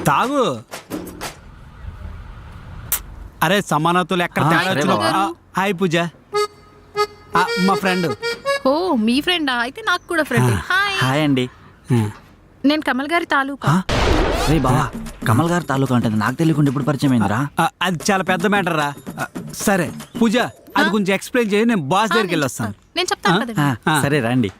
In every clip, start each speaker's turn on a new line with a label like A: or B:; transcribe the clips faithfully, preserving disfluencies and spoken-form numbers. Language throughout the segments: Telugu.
A: తాగు. అరే సమానతలు ఎక్కడ తేడా? హాయ్ పూజ, మా ఫ్రెండ్.
B: ఓ మీ ఫ్రెండా? అయితే నాకు కూడా ఫ్రెండ్. హాయ్.
C: హాయ్ అండి.
B: నేను కమల్ గారి తాలూకా.
C: రే బావా, కమల్ గారి తాలూకా అంటే నాకు తెలియకుండా ఇప్పుడు పరిచయం అయిందిరా.
A: అది చాలా పెద్ద మ్యాటర్ రా. సరే పూజ, అది కొంచెం ఎక్స్ప్లెయిన్ చేయి, నేను బాస్ దగ్గరికి వెళ్ళి వస్తాను.
B: నేను చెప్తాను.
C: సరే రండి.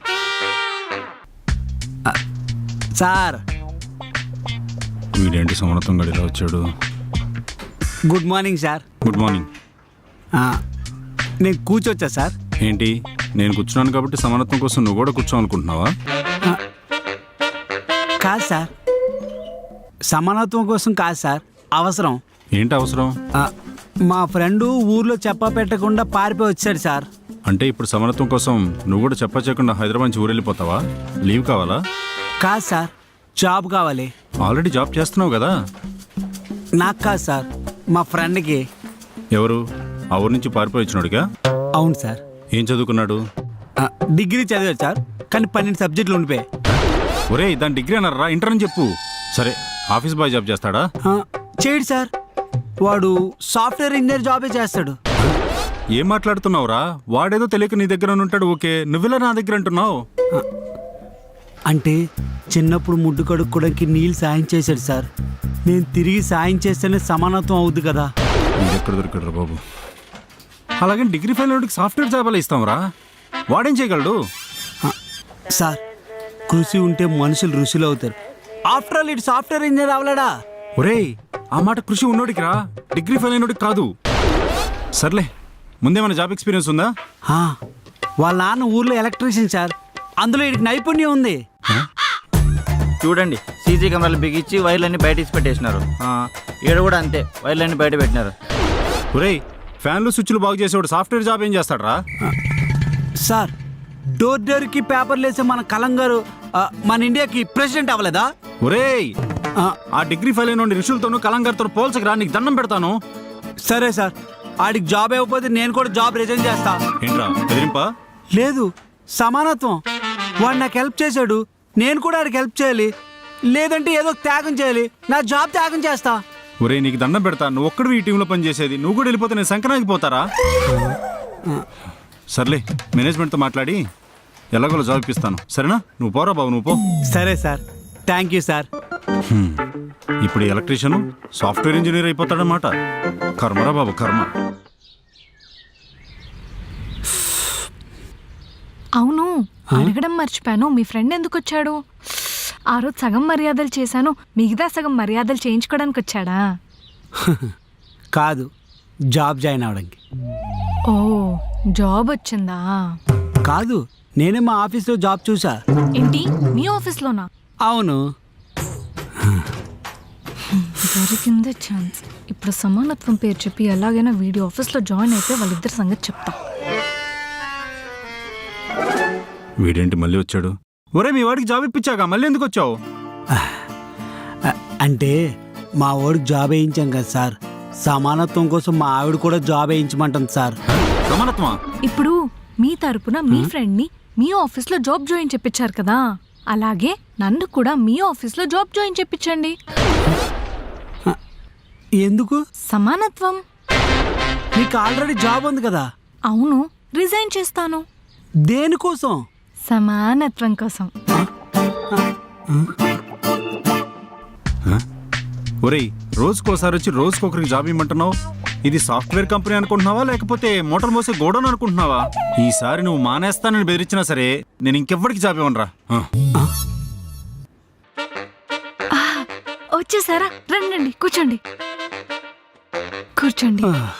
A: సార్
D: వీడేంటి సమర్థం గడిలో వచ్చాడు?
A: Good morning sir.
D: Good morning.
A: నేను కూర్చోవచ్చా సార్?
D: ఏంటి, నేను కూర్చున్నాను కాబట్టి సమానత్వం కోసం నువ్వు కూడా కూర్చోవాలనుకుంటున్నావా?
A: కాదు సార్, సమానత్వం కోసం కాదు సార్, అవసరం.
D: ఏంటి అవసరం?
A: మా ఫ్రెండు ఊర్లో చెప్పా పెట్టకుండా పారిపోయి వచ్చాడు సార్.
D: అంటే ఇప్పుడు సమానత్వం కోసం నువ్వు కూడా చెప్పా చేయకుండా హైదరాబాద్ నుంచి ఊరెళ్ళిపోతావా? లీవ్ కావాలా?
A: కాదు సార్, జాబ్ కావాలి.
D: ఆల్రెడీ జాబ్ చేస్తున్నావు కదా.
A: నాకు కాదు సార్, మా ఫ్రెండ్కి.
D: ఎవరు? ఆ ఊరు నుంచి పారిపోయి వచ్చినాడుగా?
A: అవును సార్.
D: ఏం చదువుకున్నాడు?
A: డిగ్రీ చదివాడు సార్, కానీ పన్నెండు సబ్జెక్టులు ఉండిపోయాయి.
D: ఒరే దాని డిగ్రీ అన్నారా? ఇంటర్ అని చెప్పు. సరే, ఆఫీస్ బాయ్ జాబ్ చేస్తాడా?
A: చేయడు సార్, వాడు సాఫ్ట్వేర్ ఇంజనీర్ జాబే చేస్తాడు.
D: ఏం మాట్లాడుతున్నావురా? వాడేదో తెలియక నీ దగ్గర ఉంటాడు, ఓకే, నువ్వెలా నా దగ్గర అంటున్నావు?
A: అంటే చిన్నప్పుడు ముడ్డు కడుక్కోవడానికి నీళ్ళు సాయం చేశాడు సార్. నేను తిరిగి సాయం చేస్తేనే సమానత్వం అవుద్ది కదా.
D: మీరు ఎక్కడ దొరికాడు బాబు? అలాగే డిగ్రీ ఫెయిల్ వాడికి సాఫ్ట్వేర్ జాబ్ ఇస్తాంరా? వాడేం చేయగలడు?
A: సార్, కృషి ఉంటే మనుషులు ఋషులు అవుతారు. ఆఫ్టర్ ఆల్ ఇటు సాఫ్ట్వేర్ ఇంజనీర్ అవలేడా?
D: ఒరేయ్, ఆ మాట కృషి ఉన్నోడికి రా, డిగ్రీ ఫెయిల్ అయినోడికి కాదు. సర్లే, ముందేమైనా జాబ్ ఎక్స్పీరియన్స్ ఉందా?
A: వాళ్ళ నాన్న ఊర్లో ఎలక్ట్రీషియన్ సార్, అందులో ఇటు నైపుణ్యం ఉంది.
C: చూడండి, సీసీ కెమెరాలు బిగించి వైర్లన్నీ బయట తీసి పెట్టేసినారు. ఈడ కూడా అంతే, వైర్లన్నీ బయట పెట్టినారు.
D: ఒరేయ్, ఫ్యాన్లు స్విచ్లు బాగు చేసేవాడు సాఫ్ట్వేర్ జాబ్ ఏం చేస్తాడరా?
A: సార్, డోర్ డోర్కి పేపర్లు వేసే మన కలంగారు మన ఇండియాకి ప్రెసిడెంట్ అవ్వలేదా?
D: ఒరేయ్, ఆ డిగ్రీ ఫెయిల్ అయిన ఋషులతోనూ కలంగారితో పోల్చకరా, నీకు దండం పెడతాను.
A: సరే సార్, ఆడికి జాబ్ ఇవ్వకపోతే నేను కూడా జాబ్ రిజైన్ చేస్తా.
D: ఏంట్రా బెదిరింపా?
A: లేదు, సమానత్వం. వాడు నాకు హెల్ప్ చేశాడు, నేను కూడా ఆడికి హెల్ప్ చేయాలి. లేదంటే ఏదో త్యాగం చేయాలి, నా జాబ్ త్యాగం చేస్తా.
D: ఒరే నీకు దండం పెడతా, నువ్వు ఒక్కడు ఈ టీంలో పనిచేసేది, నువ్వు కూడా వెళ్ళిపోతే నేను సంక్రాంతికి పోతారా? సర్లే, మేనేజ్మెంట్తో మాట్లాడి ఎలాగోలో జాబ్ ఇప్పిస్తాను, సరేనా? నువ్వు పోరా బాబు, నువ్వు పో.
A: సరే సార్, థ్యాంక్ యూ సార్.
D: ఇప్పుడు ఎలక్ట్రీషియన్ సాఫ్ట్వేర్ ఇంజనీర్ అయిపోతాడనమాట. కర్మరా బాబు, కర్మ.
B: అవును, అడగడం మర్చిపోయాను, మీ ఫ్రెండ్ ఎందుకు వచ్చాడు? ఆ రోజు సగం మర్యాదలు చేశాను, మిగతా సగం మర్యాదలు చేయించుకోవడానికి వచ్చాడా?
A: కాదు, జాబ్ జాయిన్ అవడానికి.
B: ఓ, జాబ్ వచ్చిందా?
A: కాదు, నేనే మా ఆఫీస్లో జాబ్ చూసా.
B: ఏంటి, మీ ఆఫీస్లోనా?
A: అవును.
B: దొరికిందే ఛాన్స్. ఇప్పుడు సమానత్వం పేరు చెప్పి ఎలాగైనా వీడియో ఆఫీస్లో జాయిన్ అయితే వాళ్ళిద్దరి సంగతి చెప్తా.
D: వీడేంటి మళ్ళీ వచ్చాడు? ఒరే మీ వాడికి జాబ్ ఇప్పించాక మళ్ళీ ఎందుకు వచ్చావు?
A: అంటే మా వాడికి జాబ్ వేయించాం కదా సార్, సమానత్వం కోసం మా ఆవిడ కూడా జాబ్ వేయించమంటుంది సార్.
D: సమానత్వమా?
B: ఇప్పుడు మీ తరపున మీ ఫ్రెండ్ ని మీ ఆఫీస్ లో జాబ్ జాయిన్ చెప్పించారు కదా, అలాగే నన్ను కూడా మీ ఆఫీస్ లో జాబ్ జాయిన్ చెప్పించండి.
A: ఎందుకు?
B: సమానత్వం.
A: నీకు ఆల్రెడీ జాబ్ ఉంది కదా.
B: అవును, రిజైన్ చేస్తాను.
A: దేనికోసం?
B: సమానత్వం కోసం.
D: ఒరేయ్, రోజుకోసారి వచ్చి రోజుకొకరికి జాబ్ ఇమ్మంటున్నావు. ఇది సాఫ్ట్వేర్ కంపెనీ అనుకుంటున్నావా, లేకపోతే మోటార్ మోసే గోడౌన్ అనుకుంటున్నావా? ఈసారి నువ్వు మానేస్తానని బెదిరించినా సరే నేను ఇంకెవ్వరికి జాబ్ ఇవ్వనురా.
B: వచ్చేసారా? రండి, కూర్చోండి కూర్చోండి.